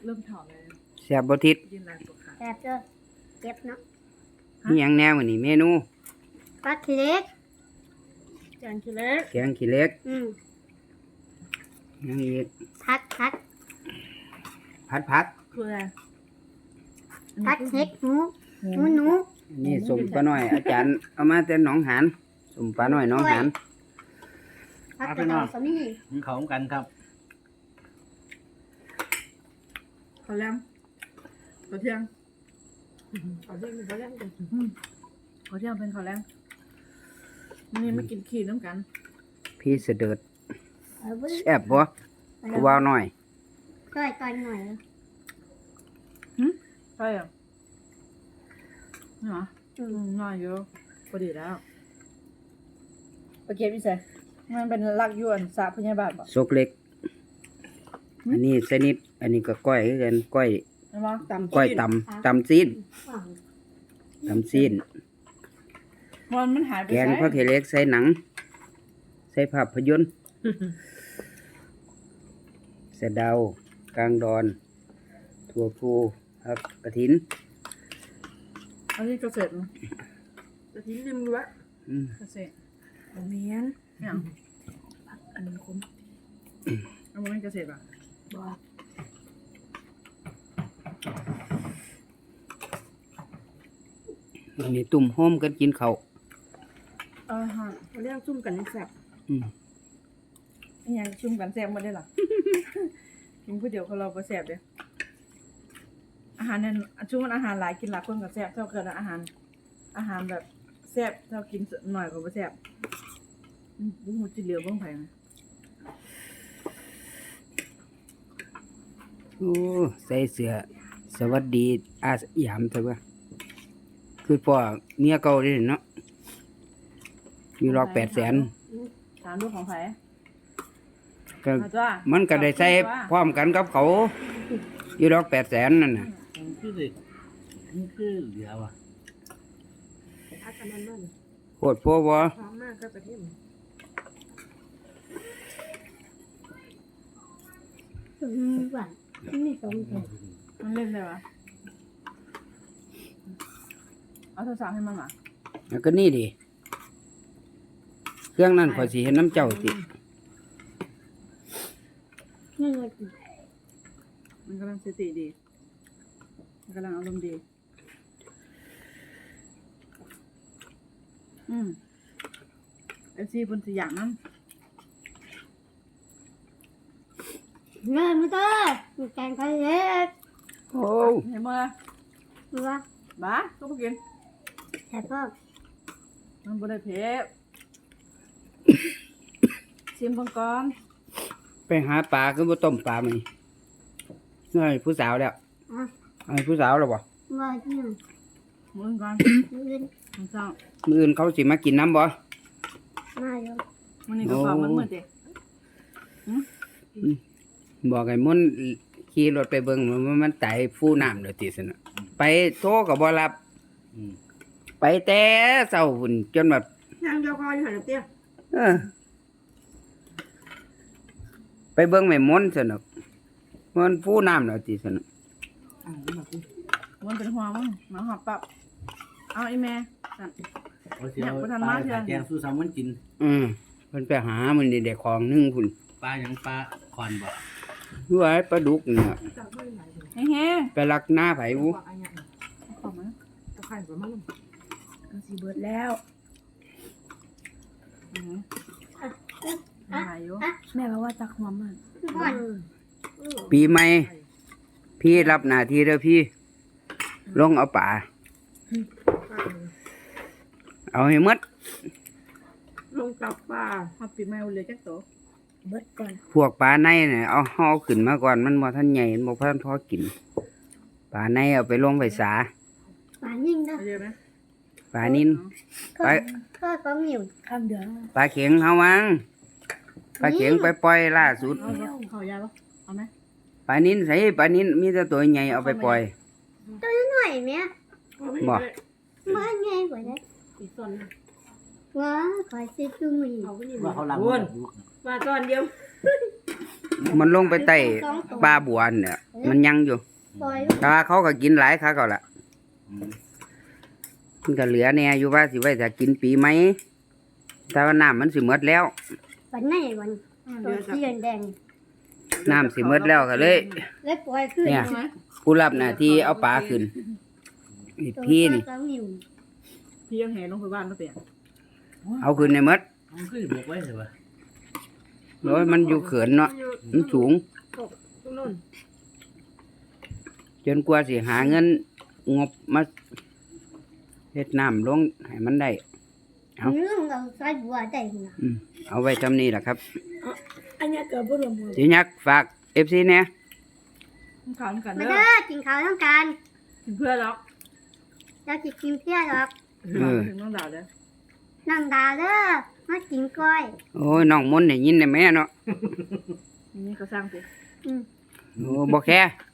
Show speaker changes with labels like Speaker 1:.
Speaker 1: เริ่มถอดเลย
Speaker 2: แซ่บบ่ทิศ
Speaker 1: ยืนลายตัวขา
Speaker 3: แซ่บเด้อเจ็บเนาะ
Speaker 2: มีหยังแน่มื้อนี้เมนู
Speaker 3: ปลาเล็ก
Speaker 1: แกงขี้เล็ก
Speaker 2: แกงขี้เหล็ก
Speaker 3: อืม
Speaker 2: ยังอีก
Speaker 3: ผัด
Speaker 2: ผัด
Speaker 1: คืออะไร
Speaker 3: ผัดเห็ดหนูหนู
Speaker 2: อันนี่สมปลาน้อย อาจารย์เอามาแต่หนองหานสมปลาน้อยหนองหาน
Speaker 3: ผัดกระดองสามี
Speaker 4: มันเขากันครับ
Speaker 1: ข้าวแรงข้าวเที่ยงข้าวเที่ยงเป็นข้าวแรงข้าวเที่ยงเป็นข้าวแรงวันนี้มากินขี้น้ำกัน
Speaker 2: พี่เสด็จ
Speaker 3: เอาไว้
Speaker 2: แซ่บบ่กูว่าน้อย
Speaker 3: ต่อยหน่อย
Speaker 1: ใช่เหรอนี่เหรอ
Speaker 3: อืม
Speaker 1: น้อยเยอะพอดีแล้วโอเคพี่เสกมันเป็นลักยวนสาพยาบาลป่ะ
Speaker 2: ซกเล็ก อันนี้สนิทอันนี้ก็ก้อยคือกันก้อย
Speaker 1: ใช่ไหมตำ
Speaker 2: ก้อยตำซีน
Speaker 3: อ่าง
Speaker 2: ตำซีน
Speaker 1: มันหายไป
Speaker 2: แกงผักขี้เหล็กใส่หนัง ใส่ภาพยนตร์สะเดากลางดอนถั่วพูผักกระถิน
Speaker 1: อันนี้เกษตรมั้ยกระถิ่นริมรั้ว
Speaker 2: อืม
Speaker 1: เกษตรโรงเรียนเนี่ยอันนี้คุ้มอันนี้เกษตรป่ะ
Speaker 3: บอก
Speaker 2: อันนี้ตุ่มโฮมกันกินข้าว
Speaker 1: ฮะเรียกซุ่มกันแซ่บ
Speaker 2: อืม
Speaker 1: นี่ยังซุ่มกันแซ่บมาได้หรอ กินก๋วยเตี๋ยวของเราก็แซ่บเด้อาหารเนี่ยช่วงอาหารหลายกินหลายคนก็แซ่บเท่าเกินอาหารแบบแซ่บเท่ากินหน่อยก็บ่แซ่บบุ้งหูจิเหลียวบ้างไผ่ไหม
Speaker 2: โอ้ใส่เสื้อสวัสดีอาสยามเถอะว่าคือพ่อเมียเก่าเด้เนาะมีรอก800,000
Speaker 1: ถามดูของไผ่
Speaker 2: ก็
Speaker 1: เอาจ้า
Speaker 2: มันก็ได้ใส่พร้อมกันกับเขาอยู่ดอก800,000นั่นน่ะ
Speaker 4: มันคือเด็กมันคือเหลือว่ะ
Speaker 1: อาจารย์นั่น
Speaker 2: โคตรโพบ่
Speaker 1: พร้อมมากก็กระเทียม
Speaker 3: หวานนี่สมเด็จ
Speaker 1: มันเล่นเลยวะเอาโทรศัพท์ให้มันมา
Speaker 2: แล้วก็นี่ดิเครื่องนั้นข่อยสิเห็นน้ำเจ้าติ
Speaker 3: นี่เลย
Speaker 1: มันกำลังสติดีมันกำลังอารมณ์ดีFC บนสยามน้ำ
Speaker 3: เงินมาเด้อแกงไก่เล็ก
Speaker 2: โอ้
Speaker 1: เห็นมั้ย
Speaker 3: ดูว่า
Speaker 1: บ้าก็บ่กิน
Speaker 3: แซ่บพ่อ
Speaker 1: มันบ่ได้เผ็ดชิมเบิ่งก่อน
Speaker 2: ไปหาปลาคือบ่ต้มปลามื้อนี้เอ้ยผู้สาวแล้ว
Speaker 3: อ่ะ
Speaker 2: เอ้ยผู้สาวแล้วบ่
Speaker 3: ว่าที่หนึ่ง
Speaker 1: มื้อก่อน
Speaker 3: ยืน
Speaker 1: มื้อเช้า
Speaker 2: มื้ออื่นเขาสิมากินน้ำบ่
Speaker 3: มาอยู่
Speaker 1: มื้อนี้ก็ฝากมันมื้อเด้
Speaker 2: บอกให้มุ่นขี่รถไปเบิ่งมันไตฟูน้ำเด้อติซั่นน่ะไปโทรก็บ่รับ
Speaker 4: อืม
Speaker 2: ไปแต่เช้าพุ่นจนแบบ
Speaker 1: ย่างเดียวพออยู่หั่นเตี้ย
Speaker 2: เออไปเบิ่งแม่มนต์ซั่นน่ะมันฟูน้ำเด้อติซั่นน่ะ
Speaker 1: มันเป็นหัวมั้งมาหอบปับเอาอีแม่สั่น
Speaker 4: เอาเสียว
Speaker 1: เนี่ยบ่ทัน
Speaker 4: ป
Speaker 1: มา
Speaker 4: ลา
Speaker 1: เทื่อ
Speaker 4: แกงสู้ซ้ำมันกิน
Speaker 2: เพิ่นไปหามันนี่ได้ของหนึงพุ่น
Speaker 4: ปลาอย่างปลาคอนบ่
Speaker 2: คือว่าปลาดุกนี่น่ะ
Speaker 1: แห้ง
Speaker 2: ไปลักหน้าไผอู
Speaker 1: ๆขอบมั้ยตะไคร้ประมาณมันสิเบิดแล้วหายอยู่แม่บอกว่าตักหัวมัน
Speaker 3: ก่อน
Speaker 2: ปีใหม่พี่รับหน้าที่เด้อพี่ ลงเอาป่า เอาให้หมด
Speaker 1: ลงกับปลาฮอดปีใหม่เอาเลยจักโตเบิดก่อน
Speaker 2: พวกปลาในเนี่ยเอาห่อขึ้นมาก่อนมันบ่ทันใหญ่มันบ่ทันพอกินปลาในเอาไปลงไปสา
Speaker 3: ป่านิ่งเด้อ
Speaker 1: เยอะไหม
Speaker 2: ปลานิน ไป
Speaker 3: ข้าวของหิว
Speaker 1: ข้ามเดือน
Speaker 2: ปลาเข็งเฮาวังปลาเข็งไปปล่อยล่าสุด
Speaker 1: เอายาปะเอาไหม
Speaker 2: ปลานินใส่ปลานินมีแต่ตัวใหญ่เอาไปปล่อย
Speaker 3: ตัวหน่อยไหม
Speaker 2: บ่
Speaker 3: มาไงกว่านั้น
Speaker 1: อีกส่วน
Speaker 3: ว้าขอซื้อจุ่มอีก
Speaker 1: เอาไปนี่
Speaker 4: ว่าเขาลัง
Speaker 1: วนมาตอนเดียว
Speaker 2: มันลงไปใต้ปลาบัวเนี่ย
Speaker 3: เออ
Speaker 2: มันยังอยู่
Speaker 3: ปล่อย
Speaker 2: แต่ว่าเขาก็กินหลายคักเอาล่ะ
Speaker 4: อืม
Speaker 2: มันก็เหลือแน่อยู่ว่าสิไว้ถ้ากินปีไหมแต่ว่าน้ำมันสิหมดแล้ว
Speaker 3: วันไหนวันตัวสีแดง
Speaker 2: น้ำสิหมดแล้วก็เลย
Speaker 3: แล้วปล่อยขึ้น
Speaker 2: เนี่ย ผู้รับหน้าที่เอาปลาขึ้นนี่พี่นี่
Speaker 3: ตัวนิ้ว
Speaker 1: พี่ยังแห่ลงไปบ้านแล้วเปลี่ยน
Speaker 2: เอาขึ้นในหมด
Speaker 4: มันคือบอกไว้ใช่ปะ
Speaker 2: โอ้ยมันอยู่เขินเนาะมันสูง
Speaker 1: ตรงนู้น
Speaker 2: จนกว่าสิหาเงินงบมาเฮ็ดน้ำลงให้มันได้ เอา
Speaker 3: เรื่องเราใส่บัวได้นะ
Speaker 2: เอาไว้ทำนี้แหละครับ
Speaker 1: อันนี้เกิดบ่รวมมือ
Speaker 2: สิยักษ์ฝาก FC เนี่ย
Speaker 1: ขาวกัน
Speaker 3: มา
Speaker 1: เด้
Speaker 3: เด้
Speaker 1: อ
Speaker 3: อกินข้าวต้องการ
Speaker 1: กินเพื่อนหรอก
Speaker 3: เราจะกินเพี้ยหรอก
Speaker 1: ถึงน้องดาวเด้อ
Speaker 3: นั่งดาเด้อมากินก้อย
Speaker 2: โอ้ยน้องมนต์ได้ยินได้แม่เนาะ
Speaker 1: นี่ก็สร้างสิ
Speaker 3: อืม
Speaker 2: โอ้บ่แค่